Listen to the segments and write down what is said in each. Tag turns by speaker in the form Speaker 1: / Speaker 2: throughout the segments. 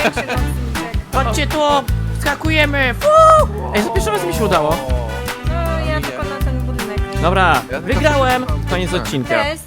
Speaker 1: większy nocniczek.
Speaker 2: Chodźcie tu! Skakujemy! Ej, za pierwszy raz mi się udało.
Speaker 1: No, ja tylko na ten budynek.
Speaker 2: Dobra,
Speaker 3: tylko
Speaker 2: wygrałem!
Speaker 3: przeczytam.
Speaker 2: Koniec odcinka.
Speaker 1: Cześć.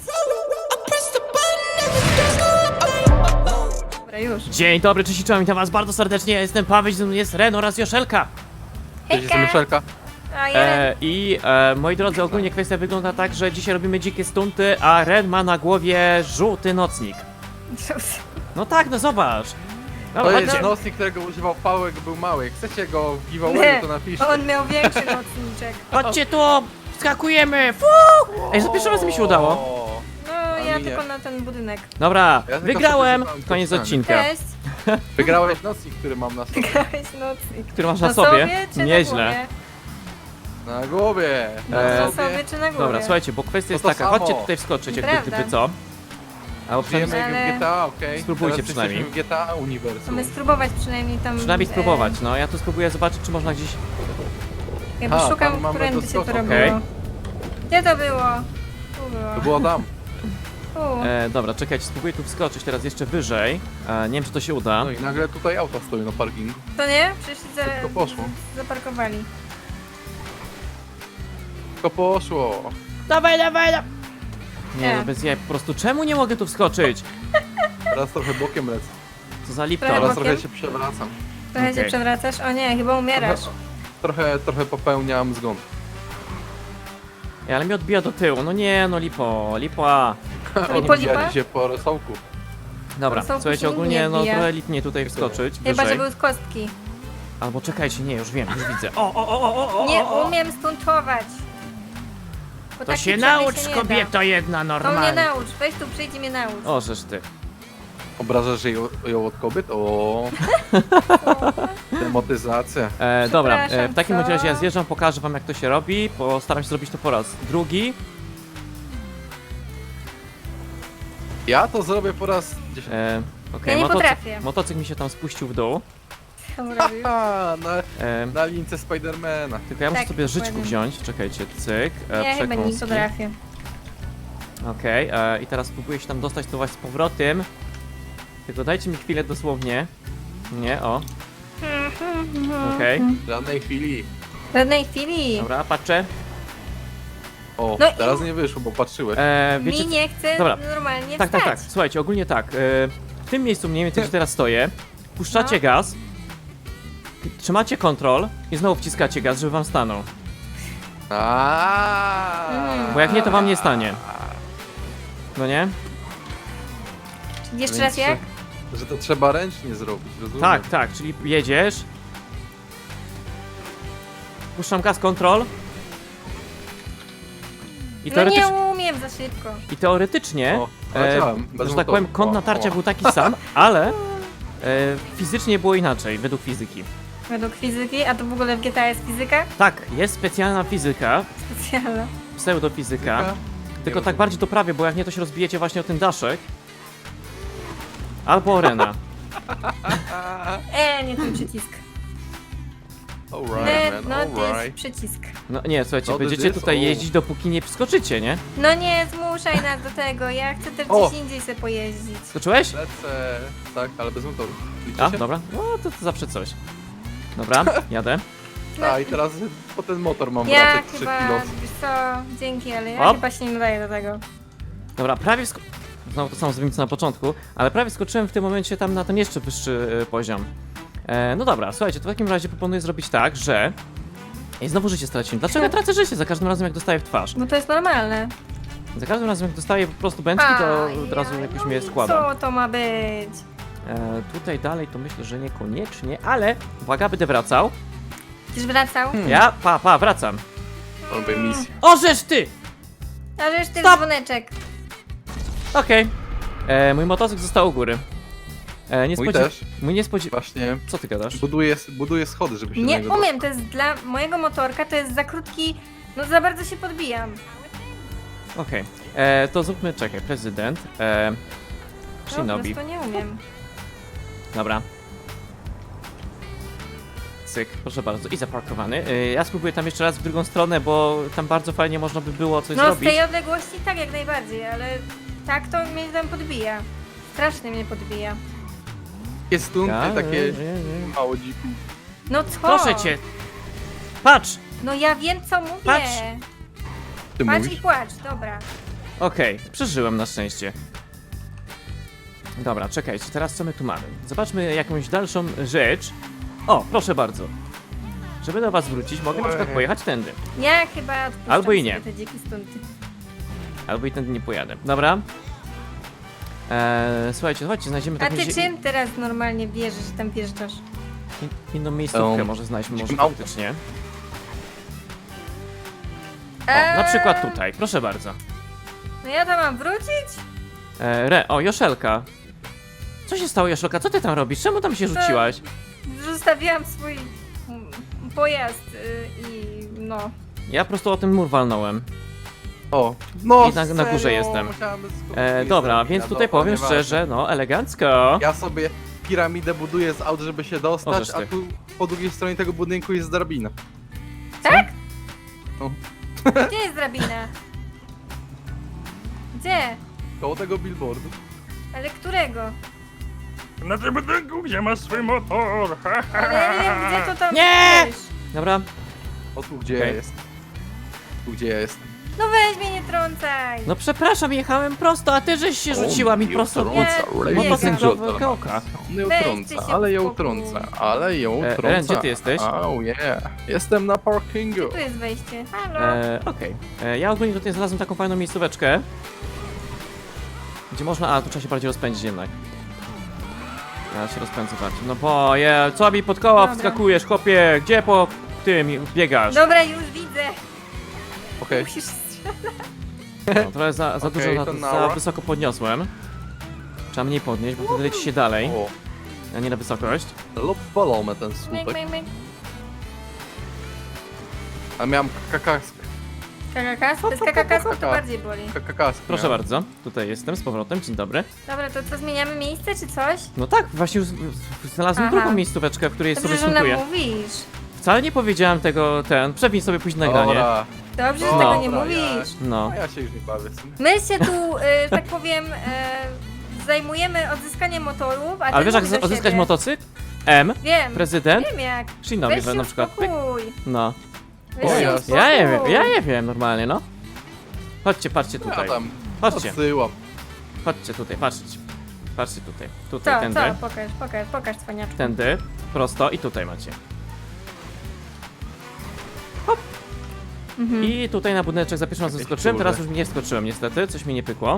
Speaker 1: Dobra, już.
Speaker 2: Dzień dobry, cześć i czołem, witam was bardzo serdecznie. Ja jestem Paweł, ze mną jest Ren oraz Joszelka.
Speaker 3: Cześć, jestem Myszelka.
Speaker 1: A jeden.
Speaker 2: Moi drodzy, ogólnie kwestia wygląda tak, że dzisiaj robimy dzikie stunty, a Ren ma na głowie żółty nocnik. No tak, no zobacz.
Speaker 3: To
Speaker 2: Dobra,
Speaker 3: jest
Speaker 2: chodźcie.
Speaker 3: nocnik, którego używał Paweł, jak był mały. Jak chcecie go w
Speaker 1: Nie,
Speaker 3: giveawayu, to napiszcie.
Speaker 1: on miał większy nocniczek.
Speaker 2: Chodźcie tu! Skakujemy! Ej, za pierwszy raz mi się udało.
Speaker 3: O,
Speaker 1: No,
Speaker 3: A
Speaker 1: ja
Speaker 3: mi nie.
Speaker 1: tylko na ten budynek.
Speaker 2: Dobra,
Speaker 3: Ja tylko
Speaker 2: wygrałem!
Speaker 3: przeczytałem
Speaker 2: Koniec
Speaker 3: to
Speaker 2: odcinka.
Speaker 1: Cześć.
Speaker 3: Wygrałeś nocnik, który mam na sobie.
Speaker 1: Grałeś nocnik.
Speaker 2: Który masz na
Speaker 1: Na
Speaker 2: sobie?
Speaker 1: sobie czy
Speaker 2: Nieźle.
Speaker 3: Na głowie.
Speaker 1: Na
Speaker 2: Eee,
Speaker 1: głowie? Na sobie czy na głowie?
Speaker 2: Dobra, słuchajcie, bo kwestia jest
Speaker 3: to
Speaker 2: taka,
Speaker 3: samo.
Speaker 2: chodźcie tutaj wskoczyć, jakby
Speaker 1: Prawda.
Speaker 2: gdyby co. Albo
Speaker 3: Żyjemy
Speaker 2: przynajmniej,
Speaker 3: jak
Speaker 1: Ale-
Speaker 3: w GTA, okej?
Speaker 2: Spróbujcie
Speaker 3: Teraz
Speaker 2: przynajmniej.
Speaker 3: jesteśmy w GTA Uniwersum.
Speaker 1: Mamy spróbować przynajmniej tam...
Speaker 2: przynajmniej spróbować, no ja tu spróbuję zobaczyć, czy można gdzieś...
Speaker 1: Jakby
Speaker 3: A,
Speaker 1: szukam,
Speaker 3: tam mamy
Speaker 1: którędy się to
Speaker 3: doskok,
Speaker 1: robiło.
Speaker 2: okej.
Speaker 1: Gdzie to było? Tu było.
Speaker 3: To było tam.
Speaker 1: Tu.
Speaker 2: Dobra, czekajcie, spróbuję tu wskoczyć teraz jeszcze wyżej. Nie wiem, czy to się uda.
Speaker 3: No i nagle tutaj auta stoją na parkingu.
Speaker 1: To nie? Przyszli
Speaker 3: Szybko poszło.
Speaker 1: zaparkowali.
Speaker 3: Tylko poszło.
Speaker 2: Dawaj, dawaj, dawaj! Nie,
Speaker 1: Nie.
Speaker 2: no bez jaj, po prostu czemu nie mogę tu wskoczyć?
Speaker 3: Teraz trochę bokiem lecę.
Speaker 2: Co za lipto.
Speaker 1: Prawo.
Speaker 3: Teraz
Speaker 1: bokiem?
Speaker 3: trochę się przewracam.
Speaker 1: Trochę się
Speaker 2: Okej.
Speaker 1: przewracasz? O nie, chyba umierasz.
Speaker 3: Trochę popełniam zgon.
Speaker 2: Ej, ale mnie odbija do tyłu, no nie, no lipa.
Speaker 1: lipa?
Speaker 3: Odbijali się po rosołku.
Speaker 2: Dobra,
Speaker 1: To są
Speaker 2: słuchajcie,
Speaker 1: później
Speaker 2: ogólnie
Speaker 1: nie
Speaker 2: no
Speaker 1: odbija.
Speaker 2: trochę lipnie tutaj wskoczyć,
Speaker 1: Chyba, że
Speaker 2: wyżej.
Speaker 1: były z kostki.
Speaker 2: Albo czekajcie, nie, już wiem, już widzę. O,
Speaker 1: Nie umiem stuntować. Bo
Speaker 2: To
Speaker 1: taki
Speaker 2: się
Speaker 1: przemyk
Speaker 2: naucz,
Speaker 1: się nie
Speaker 2: kobieto
Speaker 1: da.
Speaker 2: jedna,
Speaker 1: To mnie
Speaker 2: normalnie.
Speaker 1: naucz, weź tu przyjdź i mnie naucz.
Speaker 2: O, żeż ty.
Speaker 3: Obrażasz ją od kobiet? O, demotyzacja.
Speaker 2: Dobra,
Speaker 1: Przepraszam,
Speaker 2: w takim
Speaker 1: co?
Speaker 2: bądź razie ja zjeżdżam, pokażę wam jak to się robi. Postaram się zrobić to po raz drugi.
Speaker 3: Ja to zrobię po raz 10.
Speaker 2: Okej,
Speaker 1: Ja nie potrafię.
Speaker 2: motocykl mi się tam spuścił w dół.
Speaker 1: Co robisz?
Speaker 3: Haha,
Speaker 2: E,
Speaker 3: na lince Spidermana.
Speaker 2: tylko ja muszę
Speaker 1: Tak,
Speaker 2: sobie życzku
Speaker 1: dokładnie.
Speaker 2: wziąć. Czekajcie, cyk.
Speaker 1: Ja chyba nie
Speaker 2: przekąski.
Speaker 1: potrafię.
Speaker 2: Okej, i teraz spróbuję się tam dostać to właśnie z powrotem. Tylko dajcie mi chwilę dosłownie. Nie, o. Okej,
Speaker 3: W żadnej chwili.
Speaker 1: W żadnej chwili.
Speaker 2: dobra, patrzę.
Speaker 3: O,
Speaker 1: No i-
Speaker 3: teraz nie wyszło, bo patrzyłeś.
Speaker 2: Wiecie,
Speaker 1: Mi nie chce
Speaker 2: Dobra.
Speaker 1: normalnie
Speaker 2: tak,
Speaker 1: wstać.
Speaker 2: tak, tak. Słuchajcie, ogólnie tak. W tym miejscu mniej więcej, gdzie teraz stoję, puszczacie
Speaker 1: No.
Speaker 2: gaz, trzymacie kontrol i znowu wciskacie gaz, żeby wam stanął. Bo jak nie, to wam nie stanie. No nie?
Speaker 1: Jeszcze
Speaker 3: Więc,
Speaker 1: raz jak?
Speaker 3: Że to trzeba ręcznie zrobić, rozumiem?
Speaker 2: Tak, tak, czyli jedziesz. Puszczam gaz, kontrol. I
Speaker 1: No
Speaker 2: teoretycznie,
Speaker 1: nie umiem za szybko.
Speaker 3: O, poleciałem, bez
Speaker 2: że tak
Speaker 3: motoru.
Speaker 2: powiem, kąt natarcia
Speaker 3: O.
Speaker 2: był taki sam, ale fizycznie było inaczej, według fizyki.
Speaker 1: Według fizyki, a to w ogóle w GTA jest fizyka?
Speaker 2: Tak, jest specjalna fizyka,
Speaker 1: Specjalna.
Speaker 2: pseudofizyka,
Speaker 3: Fizyka?
Speaker 2: tylko
Speaker 3: Nie
Speaker 2: tak bardziej to prawie, bo jak nie, to się rozbijecie właśnie o ten daszek. Albo o Rena.
Speaker 1: Nie ten przycisk.
Speaker 3: Alright, man,
Speaker 1: No to jest
Speaker 3: alright.
Speaker 1: przycisk.
Speaker 2: No nie, słuchajcie,
Speaker 3: No,
Speaker 2: będziecie
Speaker 3: this,
Speaker 2: tutaj
Speaker 3: o.
Speaker 2: jeździć, dopóki nie wskoczycie, nie?
Speaker 1: No nie zmuszaj nas do tego, ja chcę też
Speaker 3: O!
Speaker 1: gdzieś indziej sobie pojeździć.
Speaker 2: Skoczyłeś?
Speaker 3: Lecę, tak, ale bez motoru. Liczy
Speaker 2: A,
Speaker 3: się?
Speaker 2: dobra. No to zawsze coś. Dobra, jadę.
Speaker 3: A, i teraz po ten motor mam
Speaker 1: Ja
Speaker 3: wracać 3
Speaker 1: chyba,
Speaker 3: kilo.
Speaker 1: wiesz co, dzięki, ale ja
Speaker 2: Hop.
Speaker 1: chyba się nie nadaję do tego.
Speaker 2: Dobra, prawie znowu to samo zrobimy co na początku, ale prawie skoczyłem w tym momencie tam na ten jeszcze wyższy poziom. No dobra, słuchajcie, to w takim razie proponuję zrobić tak, że... I znowu życie straciłem. Dlaczego ja tracę życie za każdym razem jak dostaję w twarz?
Speaker 1: Bo to jest normalne.
Speaker 2: Za każdym razem jak dostaję po prostu bęczki, to od razu jakoś
Speaker 1: no
Speaker 2: mnie
Speaker 1: i
Speaker 2: składa.
Speaker 1: Co to ma być?
Speaker 2: Tutaj dalej to myślę, że niekoniecznie, ale uwaga, będę wracał.
Speaker 1: Tyś wracał?
Speaker 2: Ja, wracam.
Speaker 3: Robię misję.
Speaker 2: O, żeż ty!
Speaker 1: A żeż ty
Speaker 2: Stop!
Speaker 1: dzwoneczek.
Speaker 2: Okej. Mój motocykl został u góry.
Speaker 3: Mój też.
Speaker 2: Mój nie spodziew...
Speaker 3: Właśnie
Speaker 2: Co ty gadasz?
Speaker 3: buduję schody, żeby się do
Speaker 1: Nie
Speaker 3: niego
Speaker 1: umiem, to jest dla mojego motorka, to jest za krótki, no za bardzo się podbijam.
Speaker 2: Okej. To zróbmy, czekaj, prezydent.
Speaker 1: Po
Speaker 2: Shinobi.
Speaker 1: prostu nie umiem.
Speaker 2: Dobra. Cyk, proszę bardzo. I zaparkowany. Ja spróbuję tam jeszcze raz w drugą stronę, bo tam bardzo fajnie można by było coś
Speaker 1: No z
Speaker 2: zrobić.
Speaker 1: tej odległości tak jak najbardziej, ale tak to mnie tam podbija. Strasznie mnie podbija.
Speaker 3: takie stunty, takie
Speaker 2: nie.
Speaker 3: mało dziku.
Speaker 1: No co?
Speaker 2: Proszę cię. Patrz!
Speaker 1: No ja wiem co mówię.
Speaker 2: Patrz.
Speaker 3: Ty
Speaker 1: Patrz i
Speaker 3: mówisz?
Speaker 1: płacz, dobra.
Speaker 2: Okej, przeżyłem na szczęście. Dobra, czekajcie, teraz co my tu mamy? Zobaczmy jakąś dalszą rzecz. O, proszę bardzo. Żeby do was wrócić, mogę na przykład pojechać tędy.
Speaker 1: Ja chyba odpuszczam
Speaker 2: Albo i
Speaker 1: sobie
Speaker 2: nie.
Speaker 1: te dzikie stunty.
Speaker 2: Albo i tędy nie pojadę. Dobra. Słuchajcie, chodźcie, znajdziemy
Speaker 1: A
Speaker 2: taką
Speaker 1: ty czym teraz normalnie wierzysz, że tam wjeżdżasz?
Speaker 2: inną miejscówkę,
Speaker 3: Um,
Speaker 2: może znajdźmy, może
Speaker 3: auto.
Speaker 2: faktycznie. O, na przykład tutaj, proszę bardzo.
Speaker 1: No ja tam mam wrócić?
Speaker 2: O, Joszelka. Co się stało, Joszelka? Co ty tam robisz? Czemu tam się rzuciłaś?
Speaker 1: Zostawiłam swój pojazd i no.
Speaker 2: Ja po prostu o ten mur walnąłem.
Speaker 3: O, no
Speaker 2: I na
Speaker 3: serio,
Speaker 2: górze jestem.
Speaker 3: musiałem skopić
Speaker 2: Dobra,
Speaker 3: zrobić,
Speaker 2: więc
Speaker 3: a
Speaker 2: tutaj
Speaker 3: dobra,
Speaker 2: powiem
Speaker 3: nieważne.
Speaker 2: szczerze, no, elegancko.
Speaker 3: Ja sobie piramidę buduję z aut, żeby się dostać,
Speaker 2: Możesz
Speaker 3: a
Speaker 2: ty.
Speaker 3: tu po drugiej stronie tego budynku jest drabina.
Speaker 1: Tak?
Speaker 3: No.
Speaker 1: Gdzie jest drabina? Gdzie?
Speaker 3: Koło tego billboardu.
Speaker 1: Ale którego?
Speaker 4: Na tym budynku, gdzie masz swój motor.
Speaker 1: Ale ja nie wiem, gdzie to tam
Speaker 2: Nie!
Speaker 1: jest.
Speaker 2: Dobra,
Speaker 3: O, tu gdzie
Speaker 2: Okej.
Speaker 3: ja jestem. Tu gdzie ja jestem.
Speaker 1: No weź mnie, nie trącaj.
Speaker 2: no przepraszam, jechałem prosto, a ty żeś się rzuciła mi prosto.
Speaker 1: Nie,
Speaker 2: Motocykl
Speaker 1: nie,
Speaker 2: do kołka.
Speaker 3: Nie
Speaker 1: Weź
Speaker 3: utrąca,
Speaker 1: ty się
Speaker 3: ale ja
Speaker 1: uspokój.
Speaker 3: utrącę, ale ja utrącę.
Speaker 2: Ren, gdzie ty jesteś?
Speaker 3: Oh yeah, jestem na parkingu.
Speaker 1: Tu jest wejście. Halo.
Speaker 2: Okej. Ja ogólnie tutaj znalazłem taką fajną miejscóweczkę. Gdzie można... A, tu trzeba się bardziej rozpędzić jednak. Ja się rozpędzę bardziej. No bo, co mi pod koła
Speaker 1: Dobra.
Speaker 2: wskakujesz, chłopie? Gdzie po tym biegasz?
Speaker 1: Dobra, już widzę.
Speaker 3: Okej,
Speaker 1: Musisz strzelać.
Speaker 2: No, trochę za dużo,
Speaker 3: Okej, to
Speaker 2: za
Speaker 3: nara.
Speaker 2: wysoko podniosłem. Trzeba mniej podnieść, bo wtedy leci się dalej,
Speaker 3: o,
Speaker 2: a nie na wysokość.
Speaker 3: lub balony ten
Speaker 1: Myk,
Speaker 3: słupek.
Speaker 1: myk, myk.
Speaker 3: A miałem kakask.
Speaker 1: Kakakas? Bez kakakasu to
Speaker 3: Kaka.
Speaker 1: bardziej boli.
Speaker 3: Kakask
Speaker 2: Proszę
Speaker 3: miałem.
Speaker 2: bardzo, tutaj jestem z powrotem, dzień dobry.
Speaker 1: Dobra, to co, zmieniamy miejsce czy coś?
Speaker 2: No tak, właśnie już znalazłem
Speaker 1: Aha.
Speaker 2: drugą miejscóweczkę, w której sobie
Speaker 1: Dobrze, że nam
Speaker 2: stuntuję.
Speaker 1: mówisz.
Speaker 2: Wcale nie powiedziałem tego, przewin sobie później nagranie.
Speaker 3: Dobra,
Speaker 1: Dobrze, że
Speaker 2: No.
Speaker 1: tego nie
Speaker 3: Dobra,
Speaker 1: mówisz.
Speaker 2: No.
Speaker 3: a ja się już nie bawię w sumie.
Speaker 1: My się tu, tak powiem, zajmujemy odzyskaniem motorów, a ty
Speaker 2: Ale wiesz jak
Speaker 1: mów do
Speaker 2: odzyskać
Speaker 1: siebie.
Speaker 2: motocykl? M,
Speaker 1: Wiem,
Speaker 2: prezydent,
Speaker 1: wiem jak.
Speaker 2: Shinobi
Speaker 1: Weź się
Speaker 2: na przykład. Pyk.
Speaker 1: uspokój.
Speaker 2: No.
Speaker 1: Weź
Speaker 3: O,
Speaker 1: się
Speaker 3: jasne.
Speaker 1: uspokój.
Speaker 2: Ja nie wiem normalnie, no. Chodźcie, patrzcie
Speaker 3: Ja
Speaker 2: tutaj.
Speaker 3: tam
Speaker 2: Chodźcie,
Speaker 3: odsyłam.
Speaker 2: chodźcie tutaj, patrzcie. Patrzcie tutaj. Tutaj,
Speaker 1: Co,
Speaker 2: tędy,
Speaker 1: co? Pokaż, cwaniaczku.
Speaker 2: tędy, prosto i tutaj macie.
Speaker 1: Mhm.
Speaker 2: I tutaj na budyneczek za pierwszym razem
Speaker 3: Jakieś
Speaker 2: skoczyłem, teraz
Speaker 3: duże.
Speaker 2: już nie skoczyłem niestety, coś mi nie pykło.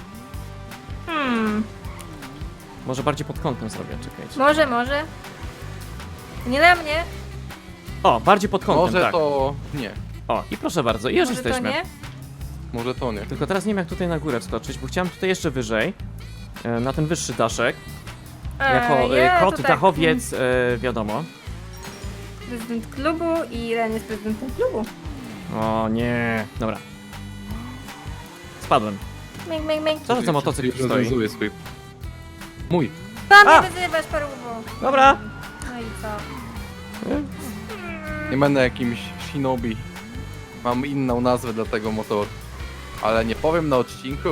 Speaker 2: Może bardziej pod kątem zrobię, czekajcie.
Speaker 1: Może. Nie na mnie.
Speaker 2: O, bardziej pod kątem,
Speaker 3: Może
Speaker 2: tak.
Speaker 3: to nie.
Speaker 2: O, i proszę bardzo, i już
Speaker 1: Może
Speaker 2: jesteśmy.
Speaker 1: to nie?
Speaker 3: Może to nie.
Speaker 2: Tylko teraz nie wiem jak tutaj na górę wskoczyć, bo chciałem tutaj jeszcze wyżej. Na ten wyższy daszek. Jako
Speaker 1: ja
Speaker 2: kot
Speaker 1: to tak,
Speaker 2: dachowiec, wiadomo.
Speaker 1: Prezydent klubu i Ren jest prezydentem klubu.
Speaker 2: O nie. Dobra. Spadłem.
Speaker 1: Myk, myk, myk.
Speaker 2: Co to za motocykl tu stoi?
Speaker 3: Rozwiązuje swój. Mój.
Speaker 1: Tam
Speaker 2: A!
Speaker 1: mnie wyzywasz, paruwo.
Speaker 2: Dobra.
Speaker 1: No i co?
Speaker 3: Nie będę jakimś shinobi. Mam inną nazwę dla tego motoru. Ale nie powiem na odcinku.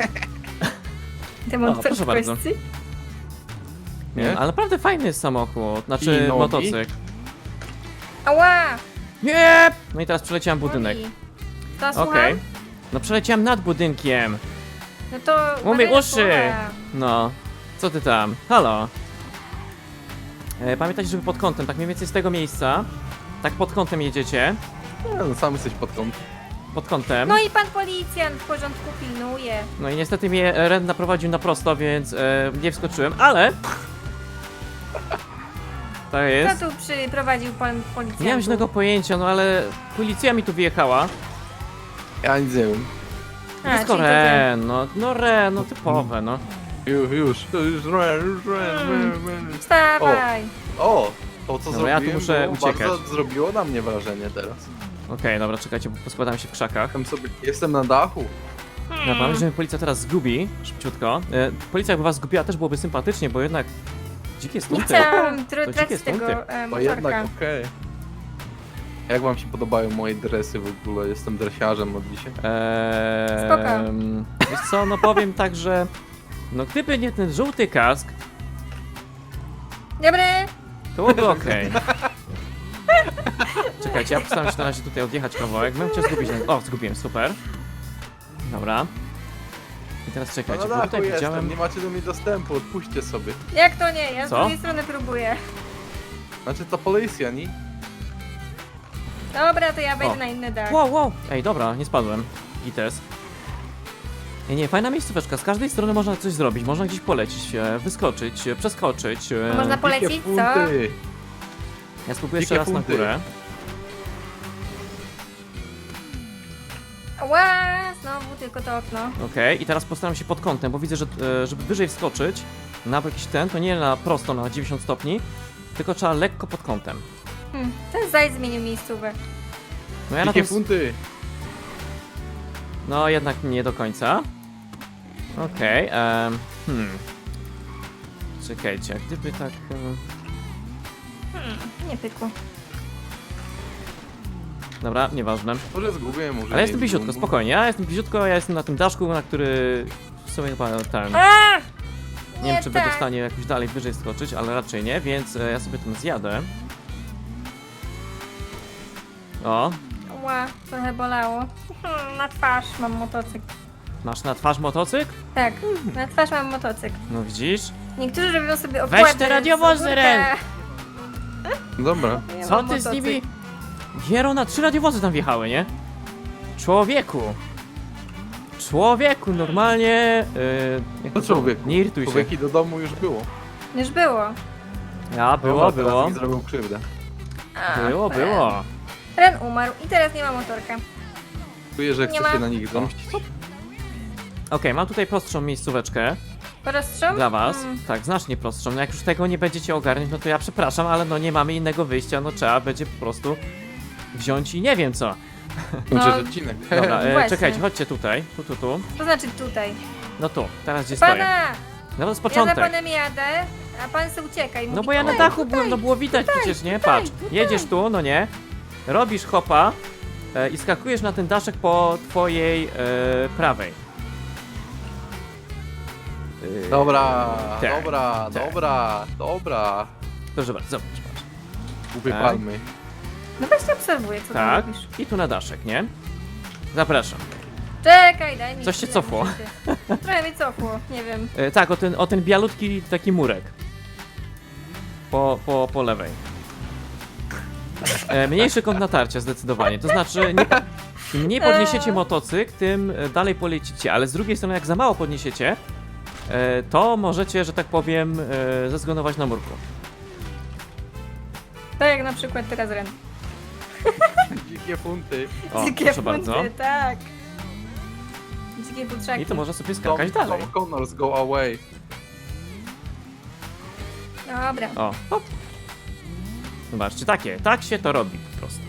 Speaker 1: Demon
Speaker 2: proszę bardzo.
Speaker 3: Nie?
Speaker 2: Ale naprawdę fajny jest samochód, znaczy
Speaker 3: Shinobi?
Speaker 2: motocykl.
Speaker 1: Ała!
Speaker 2: Nie! No i teraz przeleciałem budynek.
Speaker 1: Mówi. To słucham?
Speaker 2: Okej. No przeleciałem nad budynkiem.
Speaker 1: No to...
Speaker 2: Umyj
Speaker 1: uważaj na
Speaker 2: uszy!
Speaker 1: słowa.
Speaker 2: No. Co ty tam? Halo? Pamiętajcie, żeby pod kątem, tak mniej więcej z tego miejsca. Tak pod kątem jedziecie.
Speaker 3: Nie, no sam jesteś pod kątem.
Speaker 2: Pod kątem.
Speaker 1: No i pan policjant w porządku pilnuje.
Speaker 2: No i niestety mnie Ren naprowadził na prosto, więc nie wskoczyłem, ale... Tak jest.
Speaker 1: Kto tu przyprowadził pan policjant?
Speaker 2: Nie mam żadnego pojęcia, no ale policja mi tu wyjechała.
Speaker 3: Ja nic nie wiem.
Speaker 2: Wszystko
Speaker 1: czyli to ty.
Speaker 2: Ren, no Ren, no typowe, no.
Speaker 3: Już Ren.
Speaker 1: Wstawaj!
Speaker 3: O! To co
Speaker 2: Dobra, ja tu
Speaker 3: zrobiłem,
Speaker 2: muszę
Speaker 3: było
Speaker 2: uciekać.
Speaker 3: bardzo zrobiło na mnie wrażenie teraz.
Speaker 2: Okej, dobra, czekajcie, bo poskładam się w krzakach.
Speaker 3: Jestem na dachu.
Speaker 2: Dobra, mam, że mnie policja teraz zgubi, szybciutko. Policja jakby was zgubiła też byłoby sympatycznie, bo jednak... Dzikie
Speaker 1: Nie
Speaker 2: stunty.
Speaker 1: chciałam
Speaker 2: dzikie
Speaker 1: tracić
Speaker 2: stunty.
Speaker 1: tego
Speaker 3: To jednak
Speaker 1: motorka.
Speaker 3: okej. Jak wam się podobają moje dresy w ogóle? Jestem dresiarzem od dzisiaj.
Speaker 2: Wiesz co, no powiem tak, że... No gdyby nie ten żółty kask,
Speaker 1: Dobry.
Speaker 2: To byłoby okej. Czekajcie, ja postaram się na razie tutaj odjechać kawałek. Bym chciał zgubić. O, zgubiłem, super. Dobra. I teraz czekajcie,
Speaker 3: No
Speaker 2: bo
Speaker 3: na
Speaker 2: tutaj
Speaker 3: dachu
Speaker 2: widziałem...
Speaker 3: jestem, nie macie do mnie dostępu, odpuśćcie sobie.
Speaker 1: Jak to nie? Ja z
Speaker 2: Co?
Speaker 1: drugiej strony próbuję.
Speaker 3: Znaczy to policja, nie?
Speaker 1: Dobra, to ja wejdę
Speaker 2: O.
Speaker 1: na inny dach.
Speaker 2: Wow, wow! Ej, dobra, nie spadłem. Gites. Nie, fajna miejscóweczka. Z każdej strony można coś zrobić. Można gdzieś polecieć, wyskoczyć, przeskoczyć.
Speaker 1: Można
Speaker 3: Dzikie
Speaker 1: polecić, co?
Speaker 3: funty.
Speaker 2: Ja spróbuję jeszcze
Speaker 3: dzikie
Speaker 2: raz na
Speaker 3: funty.
Speaker 2: górę.
Speaker 1: Ła, znowu tylko to okno.
Speaker 2: Okej, i teraz postaram się pod kątem, bo widzę, że żeby wyżej wskoczyć na jakiś ten, to nie na prosto na 90 stopni, tylko trzeba lekko pod kątem.
Speaker 1: Ten zajd zmienił miejscówę.
Speaker 2: No ja na
Speaker 3: Dzikie
Speaker 2: tym...
Speaker 3: funty.
Speaker 2: No jednak nie do końca. Okej, czekajcie, jak gdyby tak...
Speaker 1: Nie pykło.
Speaker 2: Dobra, nieważne.
Speaker 3: Może zgubię, może
Speaker 2: Ale jestem
Speaker 3: nie
Speaker 2: bliziutko,
Speaker 3: zgubię.
Speaker 2: spokojnie. Ja jestem bliziutko, ja jestem na tym daszku, na który w sumie chyba ten...
Speaker 1: A!
Speaker 2: Nie wiem, czy będę w
Speaker 1: tak.
Speaker 2: stanie jakoś dalej wyżej skoczyć, ale raczej nie, więc ja sobie ten zjadę. O,
Speaker 1: Ła, trochę bolało. Na twarz mam motocykl.
Speaker 2: masz na twarz motocykl?
Speaker 1: Tak, na twarz mam motocykl.
Speaker 2: No widzisz?
Speaker 1: Niektórzy robią sobie
Speaker 2: Weź
Speaker 1: okłady.
Speaker 2: te radiowozy,
Speaker 1: z górka.
Speaker 2: Ren!
Speaker 3: Dobra.
Speaker 1: Ja
Speaker 2: Co
Speaker 1: mam
Speaker 2: ty z
Speaker 1: motocykl.
Speaker 2: nimi? Giero, na 3 radiowozy tam wjechały, nie? Człowieku! Człowieku, normalnie... jak
Speaker 3: To
Speaker 2: to-
Speaker 3: człowieku.
Speaker 2: Nie irytuj się.
Speaker 3: Człowieki do domu już było.
Speaker 1: Już było.
Speaker 2: Ja, było,
Speaker 3: Dobra,
Speaker 2: było.
Speaker 3: teraz mi zrobił krzywdę.
Speaker 1: A,
Speaker 2: Było,
Speaker 1: Ren.
Speaker 2: było.
Speaker 1: Ren umarł i teraz nie ma motorka.
Speaker 3: Czuję, że
Speaker 1: Nie
Speaker 3: chce
Speaker 1: ma.
Speaker 3: się na nich zemścić.
Speaker 2: Okej, mam tutaj prostszą miejscóweczkę
Speaker 1: Porostrzą?
Speaker 2: dla was. Tak, znacznie prostszą. No jak już tego nie będziecie ogarniać, no to ja przepraszam, ale no nie mamy innego wyjścia, no trzeba będzie po prostu wziąć i nie wiem co.
Speaker 1: No.
Speaker 3: odcinek.
Speaker 2: Dobra,
Speaker 1: Właśnie.
Speaker 2: czekajcie, chodźcie tutaj. Tu.
Speaker 1: To znaczy tutaj.
Speaker 2: No tu, teraz gdzie stoję.
Speaker 1: Pana!
Speaker 2: No to z
Speaker 1: Ja za
Speaker 2: początek.
Speaker 1: panem jadę, a pan se ucieka i mówi
Speaker 2: No bo ja na
Speaker 1: tutaj,
Speaker 2: dachu byłem, no było widać przecież, nie?
Speaker 1: tutaj,
Speaker 2: Patrz,
Speaker 1: tutaj.
Speaker 2: jedziesz tu, no nie? Robisz hopa i skakujesz na ten daszek po twojej prawej.
Speaker 3: Dobra,
Speaker 2: Tak,
Speaker 3: dobra,
Speaker 2: tak.
Speaker 3: dobra.
Speaker 2: Proszę bardzo, zobacz, patrz.
Speaker 3: Głupie
Speaker 2: Tak.
Speaker 3: palmy.
Speaker 1: No właśnie obserwuję, co
Speaker 2: Tak,
Speaker 1: ty robisz.
Speaker 2: i tu na daszek, nie? Zapraszam.
Speaker 1: Czekaj, daj mi
Speaker 2: Coś się
Speaker 1: chwilę,
Speaker 2: cofło.
Speaker 1: muszę się- Trochę mi cofło, nie wiem.
Speaker 2: Tak, o ten bialutki taki murek. Po lewej. Mniejszy kąt natarcia zdecydowanie, to znaczy im mniej podniesiecie motocykl, tym dalej polecicie, ale z drugiej strony jak za mało podniesiecie, to możecie, że tak powiem, zezgonować na murku.
Speaker 1: Tak jak na przykład teraz Ren.
Speaker 3: Dzikie funty.
Speaker 2: O,
Speaker 1: Dzikie
Speaker 2: proszę
Speaker 1: funty,
Speaker 2: bardzo.
Speaker 1: tak. Dzikie futrzaki.
Speaker 2: I to może sobie skakać dalej.
Speaker 3: Tom Connors, go away.
Speaker 1: Dobra.
Speaker 2: O, hop. Zobaczcie, tak się to robi po prostu.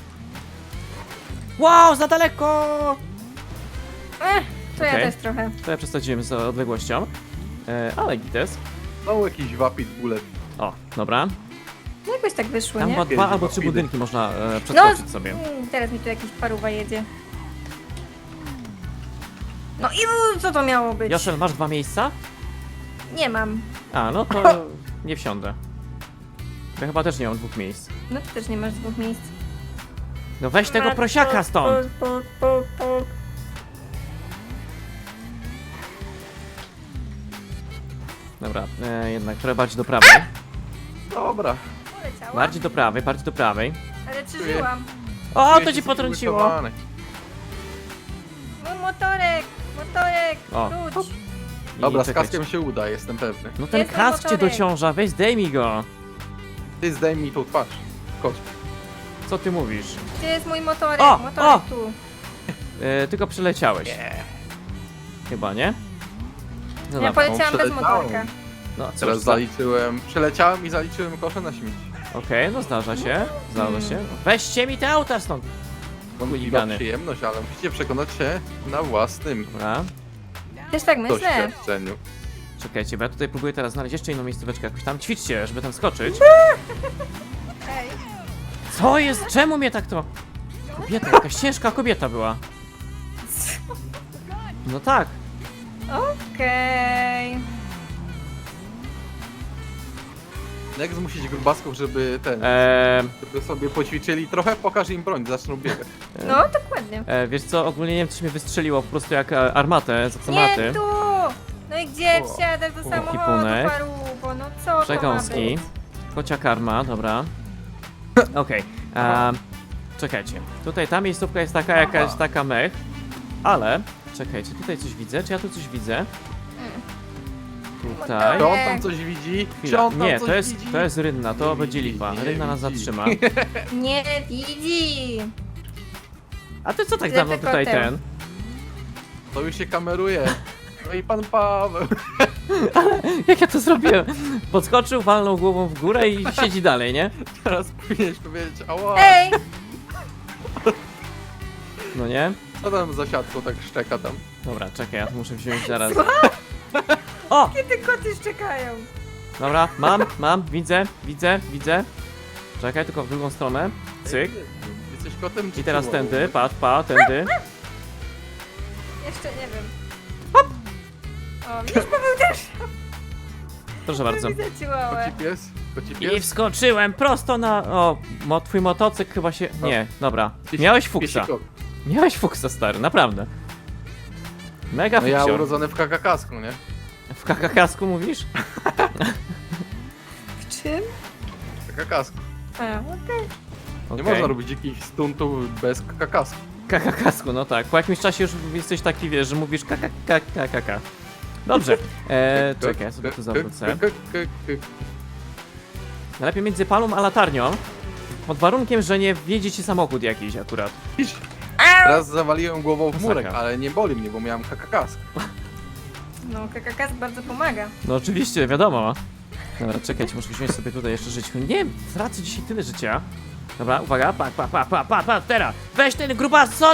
Speaker 2: Wow, za daleko!
Speaker 1: To ja
Speaker 2: Okej.
Speaker 1: też trochę.
Speaker 2: To ja przesadziłem z odległością, ale gites.
Speaker 3: Znowu jakiś wapit bullet.
Speaker 2: O, dobra.
Speaker 1: No jakoś tak wyszło,
Speaker 2: Tam
Speaker 1: nie?
Speaker 2: chyba 2
Speaker 3: Jedzie
Speaker 2: albo 3
Speaker 3: papidy.
Speaker 2: budynki można przeskoczyć sobie.
Speaker 1: Teraz mi tu jakiś paruwa jedzie. No i co to miało być?
Speaker 2: Joszel, masz 2 miejsca?
Speaker 1: Nie mam.
Speaker 2: A, no to nie wsiądę. Ja chyba też nie mam 2 miejsc.
Speaker 1: No ty też nie masz 2 miejsc.
Speaker 2: No weź tego prosiaka stąd! Dobra, jednak trochę bardziej do prawej.
Speaker 3: Dobra.
Speaker 1: Poleciała,
Speaker 2: Bardziej do prawej, bardziej do prawej.
Speaker 1: ale przeżyłam.
Speaker 2: O,
Speaker 3: Czuję
Speaker 2: to
Speaker 3: się
Speaker 2: ci potrąciło!
Speaker 3: zbulwersowany.
Speaker 1: Mój motorek,
Speaker 2: O.
Speaker 1: wróć.
Speaker 2: I
Speaker 3: Dobra, z
Speaker 2: czekajcie.
Speaker 3: kaskiem się uda, jestem pewny.
Speaker 2: No ten
Speaker 1: Jest
Speaker 2: kask cię
Speaker 1: motorek.
Speaker 2: dociąża, weź zdejmij go!
Speaker 3: Ty zdejmij tą twarz. Chodź.
Speaker 2: Co ty mówisz?
Speaker 1: Gdzie jest mój motorek?
Speaker 2: O,
Speaker 1: Motorek
Speaker 2: o!
Speaker 1: tu.
Speaker 2: Tylko przeleciałeś. Chyba, nie? No
Speaker 1: Ja
Speaker 2: dobra.
Speaker 1: poleciałam bez
Speaker 3: przeleciałem.
Speaker 1: motorka.
Speaker 2: No, cóż,
Speaker 3: Teraz zaliczyłem, przeleciałem i zaliczyłem koszę na śmieci.
Speaker 2: Okej, no zdarza się, Weźcie mi te auta stąd!
Speaker 3: Wątpliwa
Speaker 2: Chuligany.
Speaker 3: przyjemność, ale musicie przekonać się na własnym
Speaker 2: Dobra,
Speaker 1: Też tak myślę.
Speaker 3: doświadczeniu.
Speaker 2: czekajcie, bo ja tutaj próbuję teraz znaleźć jeszcze inną miejscóweczkę jakoś tam. Ćwiczcie, żeby tam skoczyć.
Speaker 1: Ej.
Speaker 2: Co jest? Czemu mnie tak to... Kobieta, jakaś ciężka kobieta była. No tak.
Speaker 1: Okej.
Speaker 3: Jak zmusić grubasków, żeby żeby sobie poćwiczyli trochę, pokaż im broń, zaczną biegać.
Speaker 1: No, dokładnie.
Speaker 2: Wiesz co, ogólnie nie wiem, coś mnie wystrzeliło po prostu jak armatę z
Speaker 1: Nie
Speaker 2: automaty.
Speaker 1: tu! No i gdzie
Speaker 3: O.
Speaker 1: wsiadasz do samochodu,
Speaker 2: Kipunek.
Speaker 1: parubo? No co to ma
Speaker 2: Przekąski.
Speaker 1: być?
Speaker 2: Kocia karma, dobra. Okej. Czekajcie. Tutaj ta miejscówka jest taka jakaś
Speaker 3: Aha.
Speaker 2: taka mech. Ale, czekajcie, tutaj coś widzę. Czy ja tu coś widzę? Tutaj.
Speaker 3: Czy on tam coś widzi? Czy
Speaker 2: Chwila.
Speaker 3: on tam
Speaker 2: Nie,
Speaker 3: coś
Speaker 2: to jest,
Speaker 3: widzi?
Speaker 2: to jest Rynna, to
Speaker 3: Nie
Speaker 2: będzie
Speaker 3: widzi,
Speaker 2: lipa.
Speaker 3: nie
Speaker 2: Rynna nas
Speaker 3: widzi.
Speaker 2: zatrzyma.
Speaker 1: Nie widzi!
Speaker 2: A ty co tak
Speaker 1: Ślepy
Speaker 2: dawno tutaj
Speaker 1: koteł.
Speaker 2: ten?
Speaker 3: To już się kameruje. No i pan Paweł.
Speaker 2: Jak ja to zrobiłem? Podskoczył, walnął głową w górę i siedzi dalej, nie?
Speaker 3: Teraz powinieneś powiedzieć, ała,
Speaker 1: Ej!
Speaker 2: No nie?
Speaker 3: co tam za siatką tak szczeka tam?
Speaker 2: Dobra, czekaj, ja to muszę wziąć zaraz. O!
Speaker 1: Kiedy koty szczekają?
Speaker 2: Dobra, mam, widzę. Czekaj, tylko w drugą stronę. Cyk.
Speaker 3: Jesteś kotem czy
Speaker 2: I teraz
Speaker 3: chihuahą?
Speaker 2: tędy, tędy.
Speaker 1: Jeszcze nie wiem. Hop! O, widzisz, Paweł też
Speaker 2: Proszę bardzo.
Speaker 1: widzę ciłałę.
Speaker 3: Koci pies? Koci
Speaker 2: I
Speaker 3: pies?
Speaker 2: wskoczyłem prosto na... O, twój motocykl chyba się... Nie, dobra. Miałeś fuksa.
Speaker 3: Piesiko.
Speaker 2: Miałeś fuksa, stary, naprawdę. Mega
Speaker 3: No ja
Speaker 2: fuksior.
Speaker 3: urodzony w kakakasku, nie?
Speaker 2: W kakakasku mówisz?
Speaker 1: W czym?
Speaker 3: W kakakasku.
Speaker 1: A, okej.
Speaker 3: Nie
Speaker 2: Okej.
Speaker 3: można robić jakichś stuntów bez kakakasku.
Speaker 2: Kakakasku, no tak. Po jakimś czasie już jesteś taki, wiesz, że mówisz kakakaka. Dobrze. Czekaj, ja sobie tu zawrócę. Najlepiej między palą a latarnią. Pod warunkiem, że nie wjedzie ci samochód jakiś akurat.
Speaker 3: Raz zawaliłem głową w murek,
Speaker 2: Masakra.
Speaker 3: ale nie boli mnie, bo miałem kakakask.
Speaker 1: No, KKK bardzo pomaga.
Speaker 2: No oczywiście, wiadomo. Dobra, czekajcie, muszę wziąć sobie tutaj jeszcze żyć. Nie wiem, tracę dzisiaj tyle życia. Dobra, uwaga, pa, teraz! Weź ten grubason!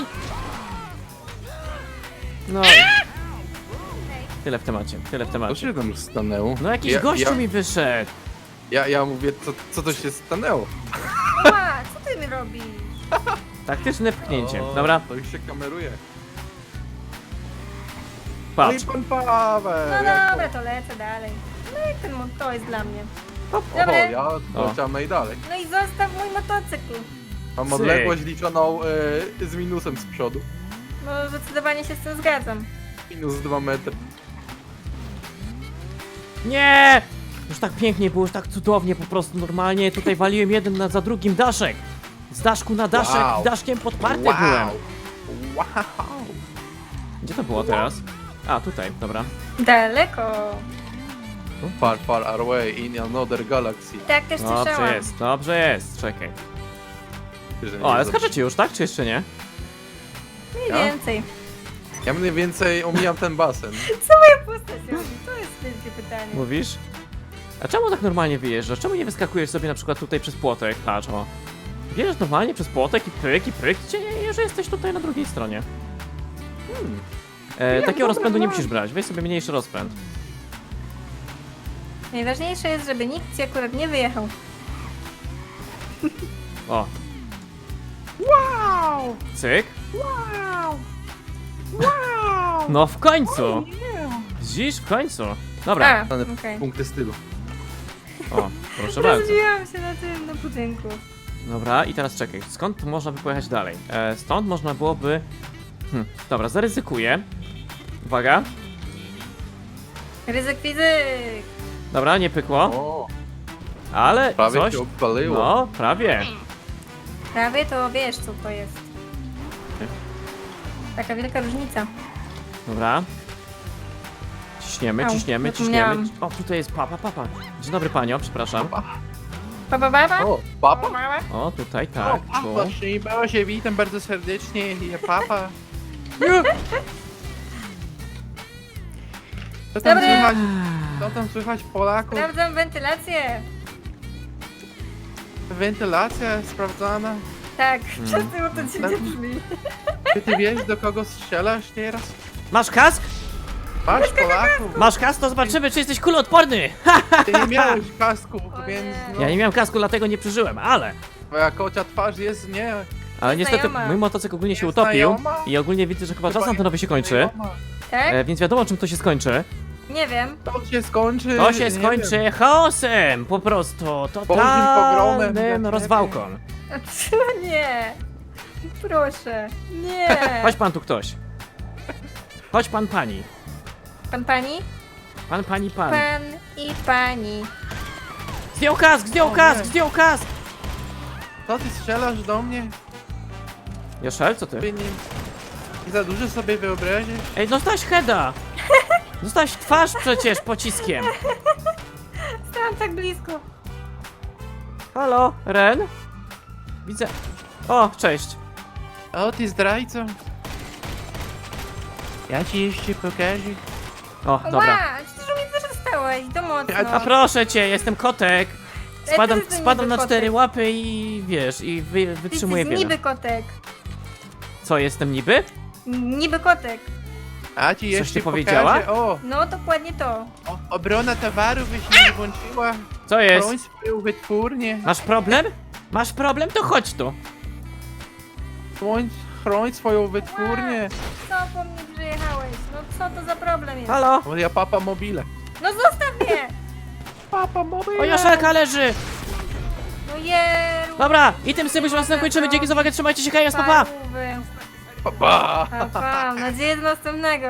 Speaker 2: No. Tyle w temacie, tyle w
Speaker 3: Co
Speaker 2: temacie.
Speaker 3: się tam stanęło?
Speaker 2: No jakiś gościu mi wyszedł.
Speaker 3: Ja mówię, co to się stanęło?
Speaker 1: Ła, co ty mi robisz?
Speaker 2: Taktyczne pchnięcie.
Speaker 3: O,
Speaker 2: Dobra,
Speaker 3: To już się kameruje.
Speaker 2: patrz.
Speaker 3: No i pan Paweł!
Speaker 1: No
Speaker 3: jak
Speaker 1: dobra, to lecę dalej. No i ten to jest dla mnie.
Speaker 3: to?
Speaker 1: Dobra.
Speaker 3: Ja leciamy i dalej.
Speaker 1: No i zostaw mój motocykl.
Speaker 3: Mam
Speaker 2: Cyk.
Speaker 3: odległość liczoną z minusem z przodu.
Speaker 1: No zdecydowanie się z tym zgadzam.
Speaker 3: Minus 2 metry.
Speaker 2: Nie! Już tak pięknie było, już tak cudownie, po prostu normalnie tutaj waliłem jeden za drugim daszek. Z daszku na daszek,
Speaker 3: Wow.
Speaker 2: daszkiem podparty
Speaker 3: Wow!
Speaker 2: byłem.
Speaker 3: Wow!
Speaker 2: Gdzie to było teraz? A, tutaj, dobra.
Speaker 1: Daleko.
Speaker 3: Far, far away in another galaxy.
Speaker 1: Tak też słyszałam.
Speaker 2: Dobrze jest, czekaj.
Speaker 3: Że nie
Speaker 2: O, ale
Speaker 3: wiem,
Speaker 2: skaczecie już, tak? Czy jeszcze nie?
Speaker 1: Mniej
Speaker 3: Ja?
Speaker 1: więcej.
Speaker 3: Ja mniej więcej omijam ten basen.
Speaker 1: Co moja postać robi? To jest wielkie pytanie.
Speaker 2: Mówisz? A czemu tak normalnie wyjeżdżasz? Czemu nie wyskakujesz sobie na przykład tutaj przez płotek? Patrz, o. Wjeżdżasz normalnie przez płotek i pyk, gdzie że jesteś tutaj na drugiej stronie. Takiego rozpędu nie musisz brać, weź sobie mniejszy rozpęd.
Speaker 1: Najważniejsze jest, żeby nikt ci akurat nie wyjechał.
Speaker 2: O,
Speaker 3: Wow!
Speaker 2: cyk.
Speaker 3: Wow! Wow!
Speaker 2: No w końcu! Widzisz? W końcu. Dobra,
Speaker 1: A,
Speaker 3: Dane
Speaker 1: okej.
Speaker 3: punkty stylu.
Speaker 2: o, proszę bardzo.
Speaker 1: Rozbiłam się na tym, na budynku.
Speaker 2: Dobra, i teraz czekaj, skąd można by pojechać dalej? Stąd można byłoby... Dobra, zaryzykuję. Uwaga.
Speaker 1: Ryzyk fizyk.
Speaker 2: Dobra, nie pykło,
Speaker 3: O,
Speaker 2: ale
Speaker 3: prawie
Speaker 2: coś...
Speaker 3: się odpaliło.
Speaker 2: No, prawie.
Speaker 1: Prawie to wiesz, co to jest. Taka wielka różnica.
Speaker 2: Dobra. Ciśniemy,
Speaker 1: Au,
Speaker 2: ciśniemy.
Speaker 1: zapomniałam.
Speaker 2: O, tutaj jest papa. Dzień dobry panio, przepraszam.
Speaker 1: Baba?
Speaker 3: O, papa?
Speaker 1: Mama?
Speaker 2: O, tutaj, tak. Tu.
Speaker 3: Szczęść Boże, witam bardzo serdecznie, ja papa. Co tam
Speaker 1: Dobry.
Speaker 3: słychać? Co tam słychać Polaków?
Speaker 1: Sprawdzam wentylację.
Speaker 3: Wentylacja sprawdzana.
Speaker 1: Tak, przez tym to dziwnie brzmi.
Speaker 3: Czy ty wiesz, do kogo strzelasz teraz?
Speaker 2: Masz kask?
Speaker 3: Masz Polaków?
Speaker 2: Masz kask, to zobaczymy, czy jesteś kuloodporny. Ha!
Speaker 3: Ty nie miałeś kasku,
Speaker 1: O
Speaker 3: więc
Speaker 1: nie.
Speaker 3: no,
Speaker 2: Ja nie miałem kasku, dlatego nie przeżyłem, ale...
Speaker 3: twoja kocia twarz jest nie...
Speaker 2: Ale niestety
Speaker 1: Znajoma.
Speaker 2: mój motocykl ogólnie się
Speaker 3: Jest
Speaker 2: utopił
Speaker 3: znajoma?
Speaker 2: i ogólnie widzę, że chyba czas antenowy się kończy.
Speaker 3: Znajoma.
Speaker 1: Tak?
Speaker 2: Więc wiadomo, czym to się skończy.
Speaker 1: Nie wiem.
Speaker 3: To się skończy.
Speaker 2: To się
Speaker 3: nie
Speaker 2: skończy
Speaker 3: wiem.
Speaker 2: chaosem, po prostu
Speaker 3: pogromem.
Speaker 2: totalnym rozwałką.
Speaker 1: Nie. Proszę. Nie.
Speaker 2: Chodź pan tu ktoś. Chodź pan pani.
Speaker 1: Pan, pani?
Speaker 2: Pan, pani, pan.
Speaker 1: Pan i pani.
Speaker 2: Zdjął kask, zdjął
Speaker 3: O
Speaker 2: kask,
Speaker 3: nie.
Speaker 2: zdjął kask!
Speaker 3: Co ty strzelasz do mnie?
Speaker 2: Joszel, co ty?
Speaker 3: Ty nie za dużo sobie wyobrazisz?
Speaker 2: Ej, dostałeś heada! Dostałeś w twarz przecież pociskiem.
Speaker 1: Stałam tak blisko.
Speaker 2: Halo, Ren? Widzę. O, cześć.
Speaker 3: O, ty zdrajco. Ja ci jeszcze pokażę.
Speaker 2: O, dobra.
Speaker 1: Ła, przecież mi też dostałeś. To mocno.
Speaker 2: A proszę cię, jestem kotek. Spadam,
Speaker 1: ty jesteś
Speaker 2: spadam
Speaker 1: niby
Speaker 2: na 4
Speaker 1: kotek.
Speaker 2: łapy i wiesz, i wytrzymuję
Speaker 1: Ty jesteś
Speaker 2: wiele.
Speaker 1: niby kotek.
Speaker 2: Co, jestem niby?
Speaker 1: Niby kotek.
Speaker 3: A ci
Speaker 2: Coś
Speaker 3: jeszcze
Speaker 2: ty powiedziała?
Speaker 3: pokażę. O,
Speaker 1: No, dokładnie to.
Speaker 3: obrona towarów się nie włączyła.
Speaker 2: Co jest?
Speaker 3: Broń swoją wytwórnię.
Speaker 2: Masz problem? Masz problem? To chodź tu.
Speaker 3: Chroń swoją wytwórnię.
Speaker 1: Co po mnie przyjechałeś? No co to za problem jest?
Speaker 2: Halo?
Speaker 3: O, ja papa mobile.
Speaker 1: No zostaw mnie!
Speaker 3: Papa mobile.
Speaker 2: O, Joszelka leży!
Speaker 1: No jeru!
Speaker 2: Dobra, i tym sobie was zakończymy. Dzięki za uwagę, trzymajcie się, hej, papa!
Speaker 1: Parówy.
Speaker 3: Papa.
Speaker 1: Pa, pa. Mam nadzieję do następnego.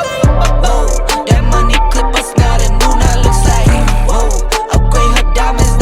Speaker 5: That money clip us now, the new now looks like, whoa. Upgrade her diamonds,